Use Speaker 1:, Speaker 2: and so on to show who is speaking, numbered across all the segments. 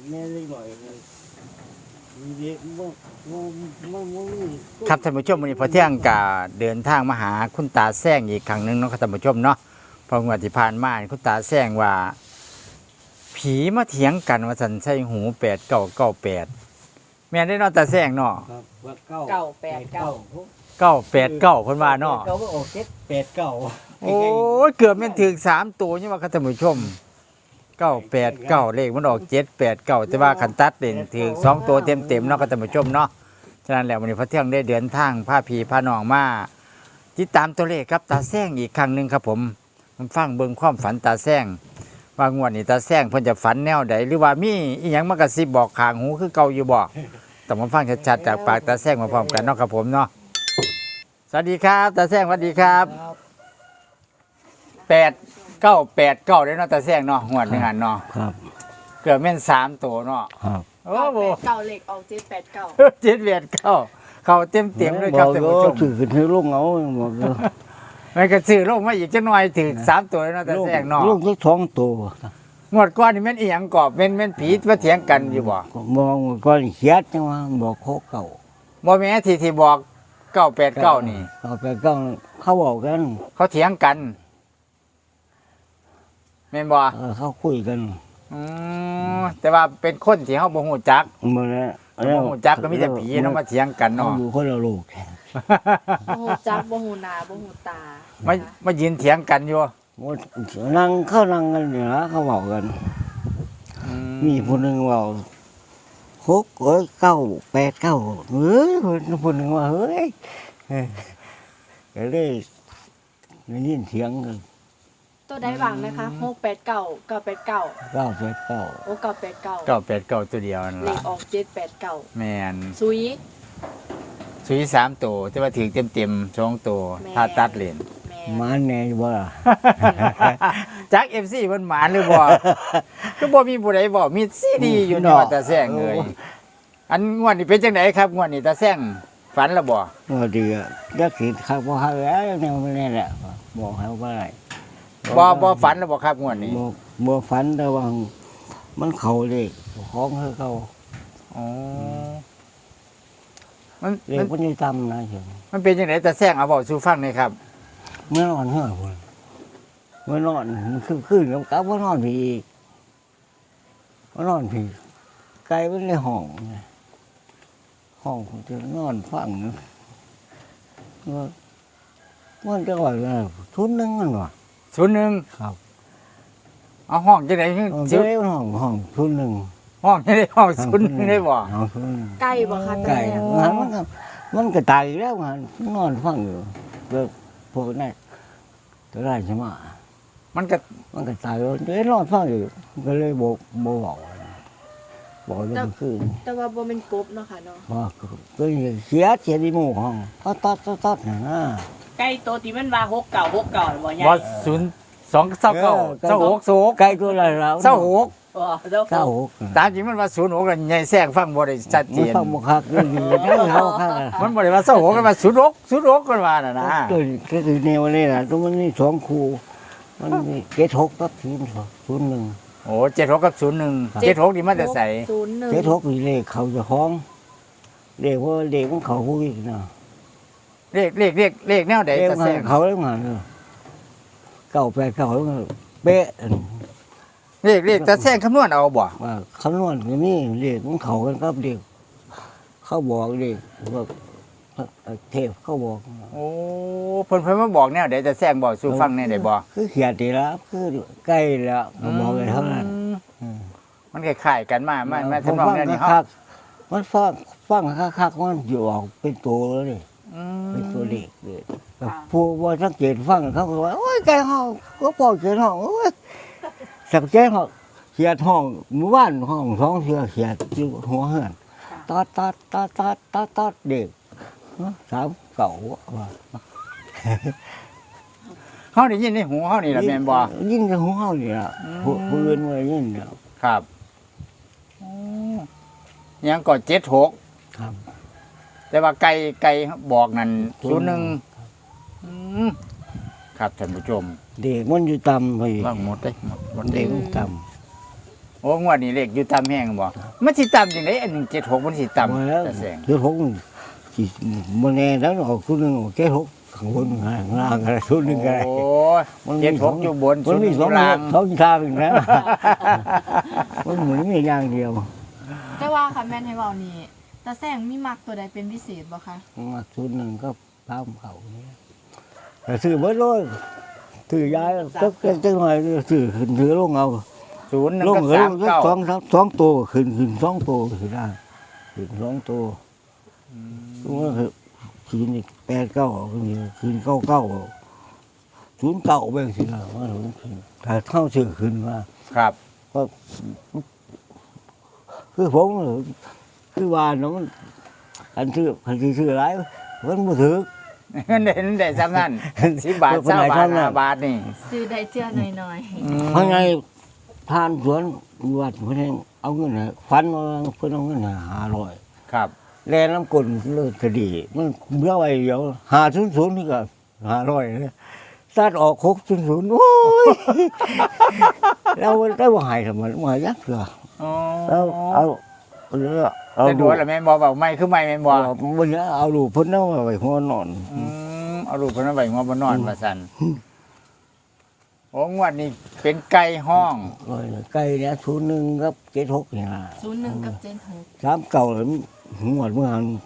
Speaker 1: แม่เล็กหน่อยเด็ก
Speaker 2: ครับท่านผู้ชมวันนี้พอเที่ยงกะเดินทางมาหาคุณตาแซงอีกครั้งหนึ่งเนาะครับท่านผู้ชมเนาะพองวดที่ผ่านมาคุณตาแซงว่า ผีมาเถียงกันว่าสันใช่หู8998แม่นได้เนาะตาแซงเนาะ
Speaker 1: ครับว่า
Speaker 2: 989เพิ่นว่าเนาะ
Speaker 1: เก้าก็ออก789
Speaker 2: โอ้ยเกือบแม่นถึง3ตัวนี่ว่าครับท่านผู้ชม989เลขมันออก789แต่ว่าคันตัดเด่นถึง2ตัวเต็มๆเนาะครับท่านผู้ชมเนาะฉะนั้นแล้ววันนี้พระเที่ยงได้เดินทางพาพี่พาน้องมาติดตามตัวเลขครับตาแซงอีกครั้งหนึงครับผมฟังเบิ่งความฝันตาแซงว่างวดนี้ตาแซงเพิ่นจะฝันแนวใดหรือว่ามีอีหยังมากระซิบบอกข้างหูคือเก่าอยู่บ่ต้องมาฟังชัดๆจากปากตาแซงมาพร้อมกันเนาะครับผมเนาะสวัสดีครับตาแซงสวัสดีครับ8989ได้เนาะตาแซงเนาะงวดหนึงอันเนาะ
Speaker 1: ครับ
Speaker 2: เกือบแม่น3ตัวเนาะ
Speaker 1: ครับ
Speaker 2: โอ้โห
Speaker 3: เก่าเหล็กออก789
Speaker 2: 789เข้าเต็มๆเลยครับท่านผู้ชม
Speaker 1: ถือขึ้นให้ลูกเอาบอกเลย
Speaker 2: มันก็ซื้อลงมาอีกจักหน่อยถึง3ตัวแล้วเนาะตาแซงเนาะ
Speaker 1: ลูกที่2ตัว
Speaker 2: งวดก่อนนี่แม่นอีหยังกอบแม่นผีมาเถียงกันอยู่บ่
Speaker 1: มองก่อนเขียดจังว่าบอกโคเก่า
Speaker 2: บ่แม่นที่บอก989นี่
Speaker 1: เอาไปก็เขาบอกกัน
Speaker 2: เขาเถียงกันแม่นบ่
Speaker 1: เขาคุยกัน
Speaker 2: แต่ว่าเป็นคนที่เฮาบ่ฮู้จัก
Speaker 1: หมดแล้ว
Speaker 2: บ่ฮู้จักก็มีแต่ผีเนาะมาเถียงกัน
Speaker 1: เขา
Speaker 2: เนาะ
Speaker 1: อยู่คนละลูก
Speaker 3: บ่ฮู้จักบ่ฮู้หน้าบ่ฮู้ตา
Speaker 2: มายืนเถียงกันอยู่
Speaker 1: หมดนั่งเขานั่งกันเนี่ยนะเขาบอกกัน มีคนหนึ่งว่า989เฮ้ยคนหนึ่งว่าเฮ้ยก็เลยได้ยินเสียงกัน
Speaker 3: ตัวใดบ้างนะคะ689 989
Speaker 1: 989
Speaker 3: โอ้989
Speaker 2: 989ตัวเดียวนั่น
Speaker 3: เหล็
Speaker 2: ล่ะ
Speaker 3: กออก789
Speaker 2: แม่น
Speaker 3: ซุย
Speaker 2: สุย3ตัวแต่ว่าถึงเต็มๆ2ตัว
Speaker 3: แม่น
Speaker 2: ถ้าตัดเลน
Speaker 3: แม่
Speaker 1: มาแน่บ่ล่ะ
Speaker 2: จัก FC เพิ่นหมานหรือบ่ ก็บ่มีผู้ใดบอกมีซีดีอยู่เนาะตาแซงเอ้ยอันงวดนี้เป็นจังไดครับงวดนี้ตาแซงฝันแล้วบ่
Speaker 1: ว่าดีอ่ะยักษ์สิครับบ่ฮาแล้วแนวนี้แหละบอกให้ว่าอะไร
Speaker 2: บ่ฝันแล้วบ่ครับงวดนี้
Speaker 1: บ่ฝันแต่ว่ามันเข้าเลขของเขา
Speaker 2: อ๋อมัน
Speaker 1: เลขมันอยู่ต่ำนะเห็น
Speaker 2: มันเป็นจังไดตาแซงเอาเว้าสู่ฟังหน่อยครับ
Speaker 1: เมื่อนอนเฮ้อพุ่นเมื่อนอนมันขึ้นกับว่านอนพี่อีกว่านอนพี่ไกลมันในห้องไงห้องผมจะนอนฟังว่ามันจะว่าทุนนึงมันว่ะ
Speaker 2: 01
Speaker 1: ครับ
Speaker 2: เอาห้องจังได๋
Speaker 1: เจ้าห้องทุนนึง
Speaker 2: ห้องจังได๋ห้อง01ได้บ่
Speaker 1: ห้องทุนนึง
Speaker 3: ใกล้บ่คะ
Speaker 1: ไก่
Speaker 3: ตา
Speaker 1: มันก็ตายแล้วมันนอนฟังอยู่แบบพวกนั้นตัวไรใช่ไหม
Speaker 2: มันก็
Speaker 1: มันก็ตายแล้วเดี๋ยวนอนฟังอยู่ก็เลยบอกเรื่องคืน
Speaker 3: แต่ว่าบ่แม่นกบเนาะค่ะเนาะ
Speaker 1: บอกก็เสียดีหมู่ห้องตัดนะ
Speaker 4: ใกล้ตัวที่มันว่า6 9 6 9บ่ใหญ่
Speaker 2: บ่02 26
Speaker 1: ไก่ตัวอะไรแล้ว
Speaker 2: 26
Speaker 4: บ่เจ้า
Speaker 1: 96
Speaker 2: ตามจริงมันว่า06กันใหญ่แซงฟังบ่ได้ชัดเจ
Speaker 1: มัน
Speaker 2: น
Speaker 1: ฟังบุคักด้วยดีนะเขาค่ะ
Speaker 2: มันบ่ได้ว่า26กันว่า06กันว่าน่ะนะ
Speaker 1: ตัวก็คือแนวนี้นะตัวมันนี่2คู่มันมี76กับ01
Speaker 2: โอ้76กับ01 76นี่มันจะใส่
Speaker 3: 01
Speaker 1: 76นี่เลขเขาจะคล้องเลขว่าเลขของเขาผู้อีกนะ
Speaker 2: เลขแนวใด
Speaker 1: เลข
Speaker 2: ตา
Speaker 1: ข
Speaker 2: แซ
Speaker 1: อง
Speaker 2: ง
Speaker 1: เขาแล้วมัน989แล้วมันเป๊ะ
Speaker 2: เลขตาแซงคำนวณเอาบ่
Speaker 1: ว่าคำนวณก็มีเลขของเขากันครับเลขเขาบอกเลขว่าเทพเขาบอก
Speaker 2: โอ้เพิ่นมาบอกแนวใดตาแซงบอกสู่ฟังแนวใดบ่
Speaker 1: คือเขียดดีแล้วคือใกล้แล้วก็บอกเลยเท่านั้น
Speaker 2: มันคล้ายๆกันมาทำนองแนวนี้เฮา
Speaker 1: มันฟังคักๆมันอยู่ออกเป็นตัวแล้วนี่เป็นตัวเลขเลยแต่ผู้ว่าสังเกตฟังเขาก็ว่าโอ้ยไก่ห้องก็ปล่อยเขียนห้องโอ้ยสักแจ้งห้องเขียดห้องหมู่บ้านห้อง2เทื่อเขียดอยู่หัวเฮือนตัดเด็ก3 9ว่า
Speaker 2: เฮาได้ยินในหูเฮานี่ล่ะแม่นบ่
Speaker 1: ยินกับหูเฮานี่ล่ะผู้อื่นบ่ได้ยินแล้ว
Speaker 2: ครับยังก็76
Speaker 1: ครับ
Speaker 2: แต่ว่าไก่บอกนั่น01ครับท่านผู้ชม
Speaker 1: เด็กมันอยู่ต่ำไป
Speaker 2: ว่างหมดเด้หมด
Speaker 1: เด็กมันต่
Speaker 2: โอ้งวดนี้เลขอยู่ตามแห้งบ่มันสิตามจังไดอัน176มันสิตาม
Speaker 1: มาแล้ว
Speaker 2: ตาแสง
Speaker 1: เจ็ดหกสิมันแน่แล้วออกคุณหนึ่งออกเจ็ดหกข้างบนข้างล่างอะไรชุดหนึ่งอะไร
Speaker 2: โอ้
Speaker 1: มัน
Speaker 2: เจ็ด
Speaker 1: มี
Speaker 2: หกอยู่บน
Speaker 1: มันมี
Speaker 2: ศู
Speaker 1: สอน ง
Speaker 2: ย์ล่าง
Speaker 1: สองทางนะ มันเหมือนมีอย่างเดียว
Speaker 3: แต่ว่าค่ะแม่นให้เว้านี่ตาแซงมีมักตัวใดเป็นพิเศษบ่คะ
Speaker 1: มาชุดหนึ่งก็ตามเขาเนี่ยแต่ซื้อเบิดเลยซื้อยายก็จังหน่อยซื้อขึ้นถือลงเอา
Speaker 2: 01
Speaker 1: ลง
Speaker 2: กับ
Speaker 1: ก็สองตัวขึ้นสองตัวขึ้นได้ขึ้นสองตัวตรงนั้นคือขึ้นอีก8-9ขึ้น9-9 0-9ไปสินะว่าขึ้นถ้าเท่าชื่อขึ้นมา
Speaker 2: ครับ
Speaker 1: ก็คือผมคือว่าน้องอันชื่ออะไรมันบ่ถือ
Speaker 2: เงินได้ซ้ำนั้น10 บาท
Speaker 1: คนไหน
Speaker 2: 20 บาท
Speaker 1: เท่านั้น
Speaker 2: 5 บาทนี่
Speaker 3: ซื้อได้เทื่อหน่อย
Speaker 1: เพราะไงทานสวนวัดเพิ่นให้เอาเงินให้ฟันว่าเพิ่นเอาเงินให้500
Speaker 2: ครับ
Speaker 1: แลน้ำกลนเลิกคดีมันเมื่อไว้เดียว500นี่ก็500เนี่ยตัดออก600โอ้ยเราได้บ่ให้ทำไมบ่ให้ยักเถื่อ
Speaker 2: อ๋อ
Speaker 1: แล้วเอาเอา
Speaker 2: แต่ดูแล้วแม่นบ่เว้าไม่คือไม่แม่นบ่
Speaker 1: บ่เนี่ยเอาลูกเพิ่นเอาไว้หัวนอน
Speaker 2: เอารูปเพิ่นเอาไว้หัวบ่นอนว่าซั่นโอ้งวดนี้เป็นไก่ห้อง
Speaker 1: ไก่เนี่ย01กับ76นี่ล่ะ
Speaker 3: ๆ01กับ76
Speaker 1: 3เก่าเลยงวดเมื่อหัน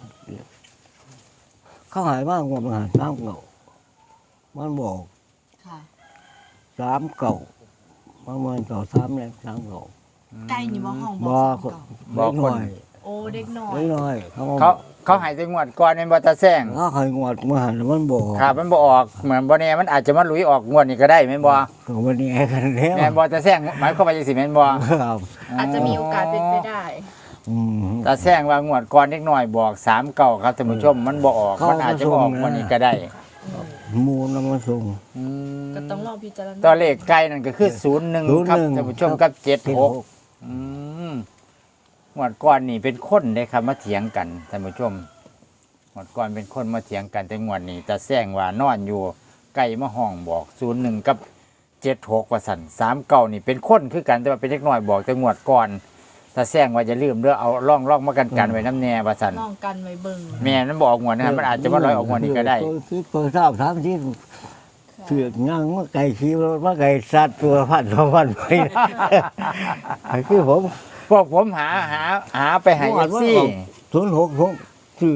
Speaker 1: เขาหายมากงวดเมื่อหัน3เก่ามันบอก
Speaker 3: ค่ะ
Speaker 1: 3เก่ามันเก่า3แล้ว3เก่า
Speaker 3: ไก่นี่บ่ห้อง
Speaker 1: บ่
Speaker 3: บ่
Speaker 1: ก็
Speaker 3: เก่า
Speaker 1: บ่หน่อย
Speaker 3: โอ้เด็กน้อย
Speaker 1: เล็กน้อย
Speaker 2: เขาให้แต่งวดก่อนแม่นบ่ตาแซง
Speaker 1: เขาเคยงวดเมื่อหันมันบอก
Speaker 2: ครับมันบ่ออกเหมือนบ่แน่มันอาจจะมาหลุยออกงวดนี้ก็ได้แม่นบ่
Speaker 1: ก็วันนี้กันแล้ว
Speaker 2: แม่นบ่ตาแซงหมายความว่าจังซี่แม่นบ่
Speaker 1: ครับ
Speaker 3: อาจจะมีโอกาสเป็นไปได้
Speaker 1: อืม
Speaker 2: ตาแซงว่างวดก่อนเด็กน้อยบอก3เก่าครับท่านผู้ชมมันบ่ออก
Speaker 1: เขา
Speaker 2: มันอาจจะบ่ออก
Speaker 1: มาส่งนะ
Speaker 2: งวดนี้ก็ได้
Speaker 1: หมูนำมาส่ง
Speaker 2: อืม
Speaker 3: ก็ต้องลองพิจารณา
Speaker 2: ตัวเลขไก่นั่นก็คือ01ครับท่านผู้ชมกับ76อืมงวดก่อนนี่เป็นคนเด้ครับมาเถียงกันท่านผู้ชมงวดก่อนเป็นคนมาเถียงกันแต่งวดนี้ตาแซงว่านอนอยู่ไก่มาห้องบอก01กับ76ว่าซั่น39นี่เป็นคนคือกันแต่ว่าเป็นเด็กน้อยบอกแต่งวดก่อนตาแซงว่าจะลืมเด้อเอาร่องมากันไว้น้ำแน่ว่าซั่น
Speaker 3: ลองกันไว้เบิ่ง
Speaker 2: แม่มันบอกงวดนะครับมันอาจจะมาลอยออกงวดนี้ก็ได้
Speaker 1: คือตัวทราบถามที่เสือกย่างว่าไก่ขี้ว่าไก่สัตว์ตัวพัน2,000ไปคือผม
Speaker 2: พวกผมหาไปให้ FC
Speaker 1: 06ผมคือ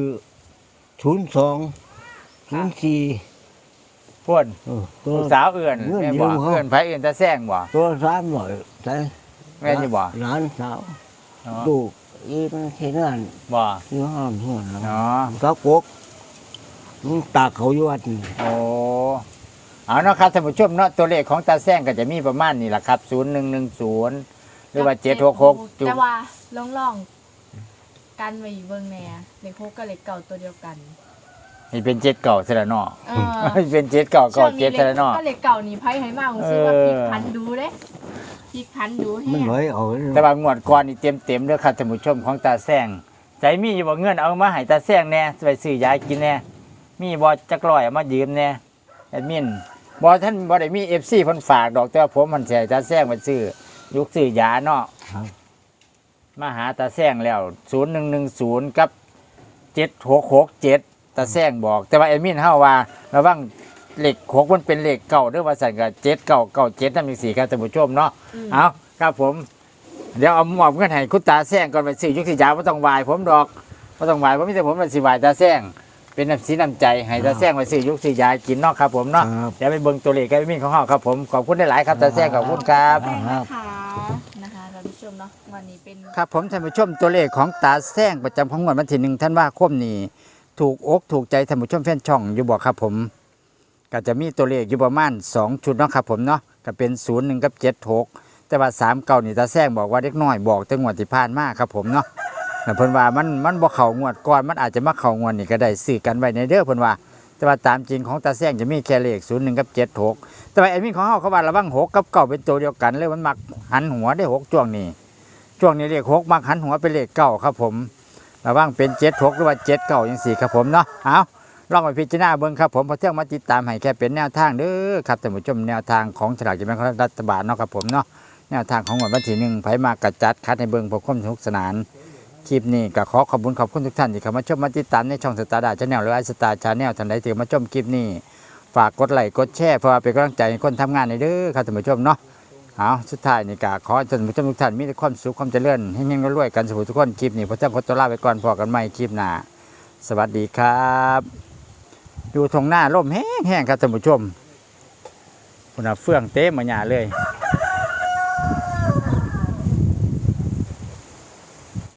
Speaker 1: 02 04
Speaker 2: พ่น
Speaker 1: ตัว
Speaker 2: ลูกสาวเอื่อน
Speaker 1: เอื้อน
Speaker 2: แม่บอก
Speaker 1: เดียวเขา
Speaker 2: เอื่อนไผเอื่อนตาแซงบ่
Speaker 1: ตัว300ใช่
Speaker 2: แม่นอยู่บ่
Speaker 1: หลานสาว
Speaker 2: เนาะ
Speaker 1: ลูกอีมันเฮ็ดงาน
Speaker 2: บ่
Speaker 1: ที่ห้องเฮือนแล้ว
Speaker 2: เนาะ
Speaker 1: ก็กกมันตากเขาอยู่วัดนี่
Speaker 2: โอ้เอาเนาะครับท่านผู้ชมเนาะตัวเลขของตาแซงก็จะมีประมาณนี้ล่ะครับ0110หรือว่า766จุ
Speaker 3: แต่ว่าลองกันไว้เบิ่งแหน่เลข6กับเลขเก่าตัวเดียวกัน
Speaker 2: นี่เป็น7เก่าซะแล้วเนาะ
Speaker 3: เออ
Speaker 2: เป็น7เก่า
Speaker 3: ช่วงนี้
Speaker 2: 7ซะแล้วเนาะ
Speaker 3: ก็เลขเก่านี่ไผให้มาผมซื้อว่าพลิกพันดูเด้พลิกพันดูแฮ
Speaker 1: มัน
Speaker 3: ง
Speaker 1: ไหลเอา
Speaker 2: แต่ว่างวดก่อนนี่เต็มเด้อครับท่านผู้ชมของตาแซงใจมีอยู่บ่เงินเอามาให้ตาแซงแน่ไปซื้อยากินแน่มีบ่จักร้อยเอามายืมแน่แอดมินบ่ท่านบ่ได้มี FC เพิ่นฝากดอกแต่ว่าผมมันสิให้ตาแซงไปซื้อยุกซื้อยาเนาะ
Speaker 1: ครับ
Speaker 2: มาหาตาแซงแล้ว0110กับ7667ตาแซงบอก แต่ว่าแอดมินเฮาว่าระวังเลข6มันเป็นเลขเก่าเด้อว่าซั่นก็7997นำจังซี่ครับท่านผู้ชมเนาะ เอาครับผม เดี๋ยวเอาหมอบเงินให้คุณตาแซงก่อนไปซื้อยุกสิยาไม่ต้องวายผมดอกไม่ต้องวายผมมีแต่ผมเป็นสิวายตาแซงเป็นน้ำสีน้ำใจให้ตาแซงไปซื้อยุกสิยากินเนอกครับผมเนาะ
Speaker 1: ครับ
Speaker 2: เดี๋ยวไปเบิ่งตัวเลขกันมีของเฮาครับผมขอบคุณได้หลายๆครับตาแซงขอบคุณครับ
Speaker 3: แป้งนะคะนะคะท่านผู้ชมเนาะวันนี้เป็น
Speaker 2: ครับผมท่านผู้ชมตัวเลขของตาแซงประจำของงวดวันที่1ธันวาคมนี้ถูกอกถูกใจท่านผู้ชมแฟนช่องอยู่บ่ครับผมก็จะมีตัวเลขอยู่ประมาณ2ชุดเนาะครับผมเนาะก็เป็น01กับ76แต่ว่า3เก่านี่ตาแซงบอกว่าเด็กน้อยบอกแต่งวดที่ผ่านมาครับผมเนาะแต่เพิ่นว่ามันบ่เข้างวดก่อนมันอาจจะมาเข้างวดนี่ก็ได้ซื้อกันไว้ในเด้อเพิ่นว่าแต่ว่าตามจริงของตาแซงจะมีแค่เลข01กับ76แต่ว่าแอดมินของเฮาเขาว่าระวัง6กับ9เป็นตัวเดียวกันเลยมันมักหันหัวได้6ช่วงนี้เลข6มักหันหัวเป็นเลข9ครับผมระวังเป็น76หรือว่า79จังซี่ครับผมเนาะเอาลองไปพิจารณาเบิ่งครับผมเพราะเที่ยงมาติดตามให้แค่เป็นแนวทางเด้อครับท่านผู้ชมแนวทางของฉลากกินแบ่งรัฐบาลเนาะครับผมเนาะแแนวทางของวันที่ 1ไผมากระจัดคัดให้เบิ่งเพื่อความสนุกสนานคลิปนี้ก็ขอขอบคุณทุกท่านที่เข้ามาชมมาติดตามในช่องสตาร์ดาชาแนลหรือไอสตาร์ชาแนลท่านใดที่มาชมคลิปนี้ฝากกดไลค์กดแชร์เพื่อเป็นกำลังใจให้คนทำงานในเด้อครับท่านผู้ชมเนาะเอาสุดท้ายนี่ก็ขอให้ท่านผู้ชมทุกท่านมีแต่ความสุขความเจริญเฮงๆรวยๆกันสุขทุกคนคลิปนี้พระเจ้าขอตัวลาไปก่อนพอกันใหม่คลิปหน้าสวัสดีครับอยู่ตรงหน้าร่มแห้งๆครับท่านผู้ชมพุ่นน่ะเฟื่องเต็มมาหยาเลย